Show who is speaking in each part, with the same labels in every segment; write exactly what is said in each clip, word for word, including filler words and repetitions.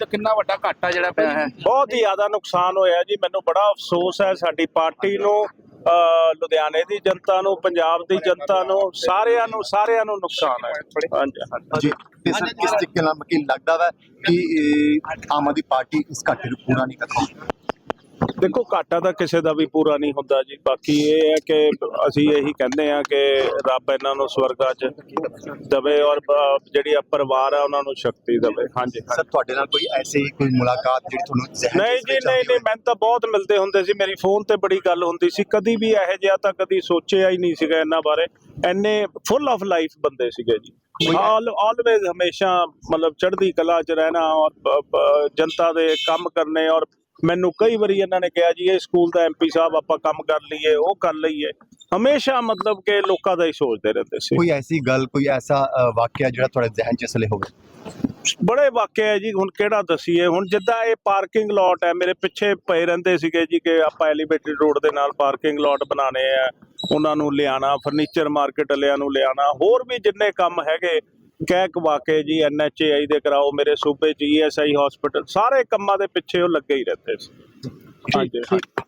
Speaker 1: ਚੋਂ ਕਿੰਨਾ ਵੱਡਾ ਘਾਟਾ ਜਿਹੜਾ ਪਿਆ ਹੈ?
Speaker 2: ਬਹੁਤ ਹੀ ਜ਼ਿਆਦਾ ਨੁਕਸਾਨ ਹੋਇਆ ਜੀ। ਮੈਨੂੰ ਬੜਾ ਅਫਸੋਸ ਹੈ ਸਾਡੀ ਪਾਰਟੀ ਨੂੰ, ਅਹ ਲੁਧਿਆਣੇ ਦੀ ਜਨਤਾ ਨੂੰ, ਪੰਜਾਬ ਦੀ ਜਨਤਾ ਨੂੰ, ਸਾਰਿਆਂ ਨੂੰ ਸਾਰਿਆਂ ਨੂੰ ਨੁਕਸਾਨ ਹੈ। ਹਾਂਜੀ
Speaker 3: ਜੀ ਤੇ ਸਰ ਕਿਸ ਤਰੀਕੇ ਨਾਲ ਮਤਲਬ ਲੱਗਦਾ ਵਾ ਕਿ ਇਹ ਆਮ ਆਦਮੀ ਪਾਰਟੀ ਇਸ ਘਾਟੇ ਨੂੰ ਪੂਰਾ ਨਹੀਂ ਕਰ ਪਾਉਂਦੀ?
Speaker 2: ਦੇਖੋ, ਘਾਟਾ ਤਾਂ ਕਿਸੇ ਦਾ ਵੀ ਪੂਰਾ ਨਹੀਂ ਹੁੰਦਾ ਜੀ। ਬਾਕੀ ਇਹ ਹੈ ਕਿ ਅਸੀਂ ਇਹੀ ਕਹਿੰਦੇ ਆ ਕਿ ਰੱਬ ਇਹਨਾਂ ਨੂੰ ਸਵਰਗਾਂ 'ਚ ਦਵੇ ਔਰ ਜਿਹੜੀ ਆ ਪਰਿਵਾਰ ਆ ਉਹਨਾਂ ਨੂੰ ਸ਼ਕਤੀ ਦਵੇ। ਹਾਂਜੀ
Speaker 3: ਸਰ ਤੁਹਾਡੇ ਨਾਲ ਕੋਈ ਐਸੀ ਕੋਈ ਮੁਲਾਕਾਤ ਜਿਹੜੀ ਤੁਹਾਨੂੰ ਜ਼ਹਿਨ
Speaker 2: ਨਹੀਂ ਜੀ, ਨਹੀਂ ਨਹੀਂ ਮੈਨੂੰ ਤਾਂ ਬਹੁਤ ਮਿਲਦੇ ਹੁੰਦੇ ਸੀ, ਮੇਰੀ ਫੋਨ ਤੇ ਬੜੀ ਗੱਲ ਹੁੰਦੀ ਸੀ। ਕਦੀ ਵੀ ਇਹੋ ਜਿਹਾ ਤਾਂ ਕਦੀ ਸੋਚਿਆ ਹੀ ਨਹੀਂ ਸੀਗਾ ਇਹਨਾਂ ਬਾਰੇ। ਇੰਨੇ ਫੁੱਲ ਆਫ ਲਾਈਫ ਬੰਦੇ ਸੀਗੇ ਜੀ। ਆਲ ਆਲਵੇਜ਼ ਹਮੇਸ਼ਾ ਮਤਲਬ ਚੜ੍ਹਦੀ ਕਲਾ 'ਚ ਰਹਿਣਾ ਔਰ ਜਨਤਾ ਦੇ ਕੰਮ ਕਰਨੇ। ਔਰ ਮੈਨੂੰ ਕਈ ਵਾਰੀ ਇਹਨਾਂ ਨੇ ਕਿਹਾ ਜੀ ਇਹ ਸਕੂਲ ਦਾ ਐਮਪੀ ਸਾਹਿਬ ਆਪਾਂ ਕੰਮ ਕਰ ਲਈਏ, ਉਹ ਕਰ ਲਈਏ। ਹਮੇਸ਼ਾ ਮਤਲਬ ਕਿ ਲੋਕਾਂ ਦਾ ਹੀ ਸੋਚਦੇ ਰਹਿੰਦੇ ਸੀ।
Speaker 3: ਕੋਈ ਐਸੀ ਗੱਲ, ਕੋਈ ਐਸਾ ਵਾਕਿਆ ਜਿਹੜਾ ਤੁਹਾਡੇ ਜ਼ਿਹਨ 'ਚ ਅਸਲੇ ਹੋਵੇ?
Speaker 2: ਬੜੇ ਵਾਕਿਆ ਹੈ ਜੀ, ਹੁਣ ਕਿਹੜਾ ਦਸੀਏ। ਹੁਣ ਜਿੱਦਾਂ ਇਹ ਪਾਰਕਿੰਗ ਲੋਟ ਹੈ, ਮੇਰੇ ਪਿੱਛੇ ਪਏ ਰਹਿੰਦੇ ਸੀਗੇ ਜੀ ਕਿ ਆਪਾਂ ਐਲੀਵੇਟਡ ਰੋਡ ਦੇ ਨਾਲ ਪਾਰਕਿੰਗ ਲੋਟ ਬਣਾਉਣੇ ਆ, ਉਹਨਾਂ ਨੂੰ ਲਿਆਣਾ, ਫਰਨੀਚਰ ਮਾਰਕੀਟ ਵਾਲਿਆਂ ਨੂੰ ਲਿਆਣਾ, ਹੋਰ ਵੀ ਜਿੰਨੇ ਕੰਮ ਹੈਗੇ ਕਹਿ ਕਵਾ ਕੇ ਜੀ ਐਨ ਐਚ ਏ ਆਈ ਦੇ ਕਰਾਓ, ਮੇਰੇ ਸੂਬੇ 'ਚ ਈ ਐਸ ਆਈ ਹਸਪੀਟਲ, ਸਾਰੇ ਕੰਮਾਂ ਦੇ ਪਿੱਛੇ ਉਹ ਲੱਗੇ ਹੀ ਰਹਿੰਦੇ ਸੀ। ਹਾਂਜੀ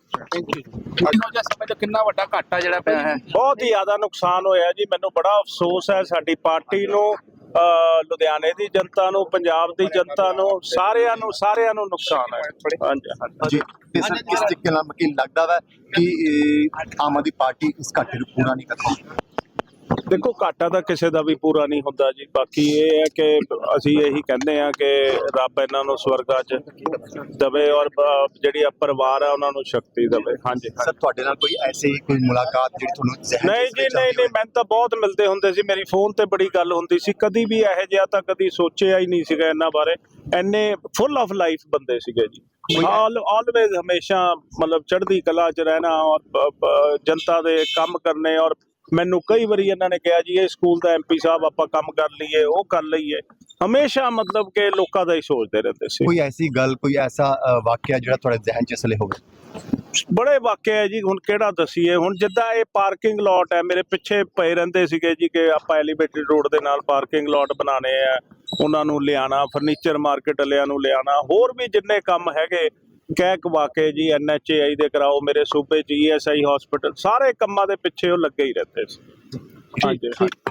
Speaker 1: ਇਹੋ ਜਿਹਾ ਸਮੇਂ 'ਚ ਕਿੰਨਾ ਵੱਡਾ ਘਾਟਾ ਜਿਹੜਾ ਪਿਆ ਹੈ?
Speaker 2: ਬਹੁਤ ਹੀ ਜ਼ਿਆਦਾ ਨੁਕਸਾਨ ਹੋਇਆ ਜੀ। ਮੈਨੂੰ ਬੜਾ ਅਫਸੋਸ ਹੈ ਸਾਡੀ ਪਾਰਟੀ ਨੂੰ, ਅਹ ਲੁਧਿਆਣੇ ਦੀ ਜਨਤਾ ਨੂੰ, ਪੰਜਾਬ ਦੀ ਜਨਤਾ ਨੂੰ, ਸਾਰਿਆਂ ਨੂੰ ਸਾਰਿਆਂ ਨੂੰ ਨੁਕਸਾਨ ਹੈ। ਹਾਂਜੀ
Speaker 3: ਜੀ ਤੇ ਸਰ ਕਿਸ ਤਰੀਕੇ ਨਾਲ ਮਤਲਬ ਲੱਗਦਾ ਵਾ ਕਿ ਇਹ ਆਮ ਆਦਮੀ ਪਾਰਟੀ ਇਸ ਘਾਟੇ ਨੂੰ ਪੂਰਾ ਨਹੀਂ ਕਰ ਪਾਉਂਦੀ?
Speaker 2: ਦੇਖੋ, ਘਾਟਾ ਤਾਂ ਕਿਸੇ ਦਾ ਵੀ ਪੂਰਾ ਨਹੀਂ ਹੁੰਦਾ ਜੀ। ਬਾਕੀ ਇਹ ਹੈ ਕਿ ਅਸੀਂ ਇਹੀ ਕਹਿੰਦੇ ਆ ਕਿ ਰੱਬ ਇਹਨਾਂ ਨੂੰ ਸਵਰਗਾਂ 'ਚ ਦਵੇ ਔਰ ਜਿਹੜੀ ਆ ਪਰਿਵਾਰ ਆ ਉਹਨਾਂ ਨੂੰ ਸ਼ਕਤੀ ਦਵੇ। ਹਾਂਜੀ
Speaker 3: ਸਰ ਤੁਹਾਡੇ ਨਾਲ ਕੋਈ ਐਸੀ ਕੋਈ ਮੁਲਾਕਾਤ ਜਿਹੜੀ ਤੁਹਾਨੂੰ ਜ਼ਹਿਨ 'ਚ
Speaker 2: ਨਹੀਂ ਜੀ, ਨਹੀਂ ਨਹੀਂ ਮੈਨੂੰ ਤਾਂ ਬਹੁਤ ਮਿਲਦੇ ਹੁੰਦੇ ਸੀ, ਮੇਰੀ ਫੋਨ ਤੇ ਬੜੀ ਗੱਲ ਹੁੰਦੀ ਸੀ। ਕਦੀ ਵੀ ਇਹੋ ਜਿਹਾ ਤਾਂ ਕਦੀ ਸੋਚਿਆ ਹੀ ਨਹੀਂ ਸੀਗਾ ਇਹਨਾਂ ਬਾਰੇ। ਇੰਨੇ ਫੁੱਲ ਆਫ ਲਾਈਫ ਬੰਦੇ ਸੀਗੇ ਜੀ। ਆਲ ਆਲਵੇਜ਼ ਹਮੇਸ਼ਾ ਮਤਲਬ ਚੜ੍ਹਦੀ ਕਲਾ 'ਚ ਰਹਿਣਾ ਔਰ ਜਨਤਾ ਦੇ ਕੰਮ ਕਰਨੇ। ਔਰ ਮੈਨੂੰ ਕਈ ਵਾਰੀ ਇਹਨਾਂ ਨੇ ਕਿਹਾ ਜੀ ਇਹ ਸਕੂਲ ਦਾ ਐਮਪੀ ਸਾਹਿਬ ਆਪਾਂ ਕੰਮ ਕਰ ਲਈਏ, ਉਹ ਕਰ ਲਈਏ। ਹਮੇਸ਼ਾ ਮਤਲਬ ਕਿ ਲੋਕਾਂ ਦਾ ਹੀ ਸੋਚਦੇ ਰਹਿੰਦੇ ਸੀ।
Speaker 3: ਕੋਈ ਐਸੀ ਗੱਲ, ਕੋਈ ਐਸਾ ਵਾਕਿਆ ਜਿਹੜਾ ਤੁਹਾਡੇ ਜ਼ਿਹਨ 'ਚ ਅਸਲੇ ਹੋਵੇ?
Speaker 2: ਬੜੇ ਵਾਕਿਆ ਹੈ ਜੀ, ਹੁਣ ਕਿਹੜਾ ਦਸੀਏ। ਹੁਣ ਜਿੱਦਾਂ ਇਹ ਪਾਰਕਿੰਗ ਲੋਟ ਹੈ, ਮੇਰੇ ਪਿੱਛੇ ਪਏ ਰਹਿੰਦੇ ਸੀਗੇ ਜੀ ਕਿ ਆਪਾਂ ਐਲੀਵੇਟਡ ਰੋਡ ਦੇ ਨਾਲ ਪਾਰਕਿੰਗ ਲੋਟ ਬਣਾਉਣੇ ਆ, ਉਹਨਾਂ ਨੂੰ ਲਿਆਣਾ, ਫਰਨੀਚਰ ਮਾਰਕੀਟ ਵਾਲਿਆਂ ਨੂੰ ਲਿਆਣਾ, ਹੋਰ ਵੀ ਜਿੰਨੇ ਕੰਮ ਹੈਗੇ ਕਹਿ ਕਵਾ ਕੇ ਜੀ ਐਨ ਐਚ ਏ ਆਈ ਦੇ ਕਰਾਓ, ਮੇਰੇ ਸੂਬੇ 'ਚ ਈ ਐਸ ਆਈ ਹਸਪੀਟਲ, ਸਾਰੇ ਕੰਮਾਂ ਦੇ ਪਿੱਛੇ ਉਹ ਲੱਗੇ ਹੀ ਰਹਿੰਦੇ ਸੀ। ਹਾਂਜੀ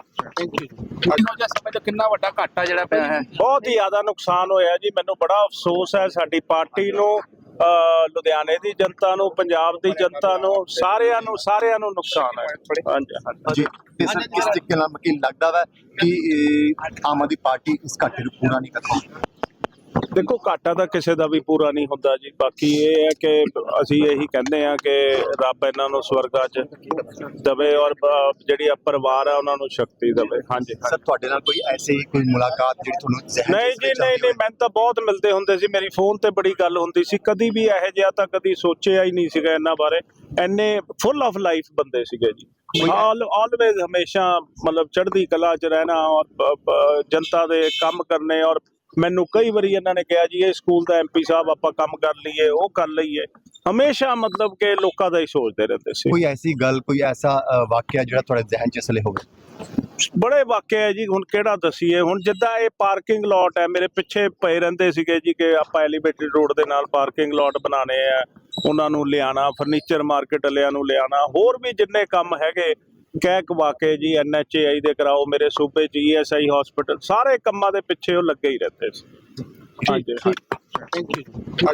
Speaker 1: ਇਹੋ ਜਿਹਾ ਸਮੇਂ 'ਚ ਕਿੰਨਾ ਵੱਡਾ ਘਾਟਾ ਜਿਹੜਾ ਪਿਆ ਹੈ?
Speaker 2: ਬਹੁਤ ਹੀ ਜ਼ਿਆਦਾ ਨੁਕਸਾਨ ਹੋਇਆ ਜੀ। ਮੈਨੂੰ ਬੜਾ ਅਫਸੋਸ ਹੈ ਸਾਡੀ ਪਾਰਟੀ ਨੂੰ, ਅਹ ਲੁਧਿਆਣੇ ਦੀ ਜਨਤਾ ਨੂੰ, ਪੰਜਾਬ ਦੀ ਜਨਤਾ ਨੂੰ, ਸਾਰਿਆਂ ਨੂੰ ਸਾਰਿਆਂ ਨੂੰ ਨੁਕਸਾਨ ਹੈ। ਹਾਂਜੀ
Speaker 3: ਜੀ ਤੇ ਸਰ ਕਿਸ ਤਰੀਕੇ ਨਾਲ ਮਤਲਬ ਲੱਗਦਾ ਵਾ ਕਿ ਇਹ ਆਮ ਆਦਮੀ ਪਾਰਟੀ ਇਸ ਘਾਟੇ ਨੂੰ ਪੂਰਾ ਨਹੀਂ ਕਰ ਪਾਉਂਦੀ?
Speaker 2: ਦੇਖੋ, ਘਾਟਾ ਤਾਂ ਕਿਸੇ ਦਾ ਵੀ ਪੂਰਾ ਨਹੀਂ ਹੁੰਦਾ ਜੀ। ਬਾਕੀ ਇਹ ਹੈ ਕਿ ਅਸੀਂ ਇਹੀ ਕਹਿੰਦੇ ਆ ਕਿ ਰੱਬ ਇਹਨਾਂ ਨੂੰ ਸਵਰਗਾਂ 'ਚ ਦਵੇ ਔਰ ਜਿਹੜੀ ਆ ਪਰਿਵਾਰ ਆ ਉਹਨਾਂ ਨੂੰ ਸ਼ਕਤੀ ਦਵੇ। ਹਾਂਜੀ
Speaker 3: ਸਰ ਤੁਹਾਡੇ ਨਾਲ ਕੋਈ ਐਸੀ ਕੋਈ ਮੁਲਾਕਾਤ ਜਿਹੜੀ ਤੁਹਾਨੂੰ ਜ਼ਹਿਨ 'ਚ
Speaker 2: ਨਹੀਂ ਜੀ, ਨਹੀਂ ਨਹੀਂ ਮੈਨੂੰ ਤਾਂ ਬਹੁਤ ਮਿਲਦੇ ਹੁੰਦੇ ਸੀ, ਮੇਰੀ ਫੋਨ ਤੇ ਬੜੀ ਗੱਲ ਹੁੰਦੀ ਸੀ। ਕਦੀ ਵੀ ਇਹੋ ਜਿਹਾ ਤਾਂ ਕਦੀ ਸੋਚਿਆ ਹੀ ਨਹੀਂ ਸੀਗਾ ਇਹਨਾਂ ਬਾਰੇ। ਇੰਨੇ ਫੁੱਲ ਆਫ ਲਾਈਫ ਬੰਦੇ ਸੀਗੇ ਜੀ। ਆਲ ਆਲਵੇਜ਼ ਹਮੇਸ਼ਾ ਮਤਲਬ ਚੜ੍ਹਦੀ ਕਲਾ 'ਚ ਰਹਿਣਾ ਔਰ ਜਨਤਾ ਦੇ ਕੰਮ ਕਰਨੇ। ਔਰ ਮੈਨੂੰ ਕਈ ਵਾਰੀ ਇਹਨਾਂ ਨੇ ਕਿਹਾ ਜੀ ਇਹ ਸਕੂਲ ਦਾ ਐਮਪੀ ਸਾਹਿਬ ਆਪਾਂ ਕੰਮ ਕਰ ਲਈਏ, ਉਹ ਕਰ ਲਈਏ। ਹਮੇਸ਼ਾ ਮਤਲਬ ਕਿ ਲੋਕਾਂ ਦਾ ਹੀ ਸੋਚਦੇ ਰਹਿੰਦੇ ਸੀ।
Speaker 3: ਕੋਈ ਐਸੀ ਗੱਲ, ਕੋਈ ਐਸਾ ਵਾਕਿਆ ਜਿਹੜਾ ਤੁਹਾਡੇ ਜ਼ਿਹਨ 'ਚ ਅਸਲੇ ਹੋਵੇ?
Speaker 2: ਬੜੇ ਵਾਕਿਆ ਹੈ ਜੀ, ਹੁਣ ਕਿਹੜਾ ਦਸੀਏ। ਹੁਣ ਜਿੱਦਾਂ ਇਹ ਪਾਰਕਿੰਗ ਲੋਟ ਹੈ, ਮੇਰੇ ਪਿੱਛੇ ਪਏ ਰਹਿੰਦੇ ਸੀਗੇ ਜੀ ਕਿ ਆਪਾਂ ਐਲੀਵੇਟਡ ਰੋਡ ਦੇ ਨਾਲ ਪਾਰਕਿੰਗ ਲੋਟ ਬਣਾਉਣੇ ਆ, ਉਹਨਾਂ ਨੂੰ ਲਿਆਣਾ, ਫਰਨੀਚਰ ਮਾਰਕੀਟ ਵਾਲਿਆਂ ਨੂੰ ਲਿਆਣਾ, ਹੋਰ ਵੀ ਜਿੰਨੇ ਕੰਮ ਹੈਗੇ ਕਹਿ ਕਵਾ ਕੇ ਜੀ ਐਨ ਐਚ ਏ ਆਈ ਦੇ ਕਰਾਓ, ਮੇਰੇ ਸੂਬੇ 'ਚ ਈ ਐਸ ਆਈ ਹਸਪੀਟਲ, ਸਾਰੇ ਕੰਮਾਂ ਦੇ ਪਿੱਛੇ ਉਹ ਲੱਗੇ ਹੀ ਰਹਿੰਦੇ ਸੀ। ਹਾਂਜੀ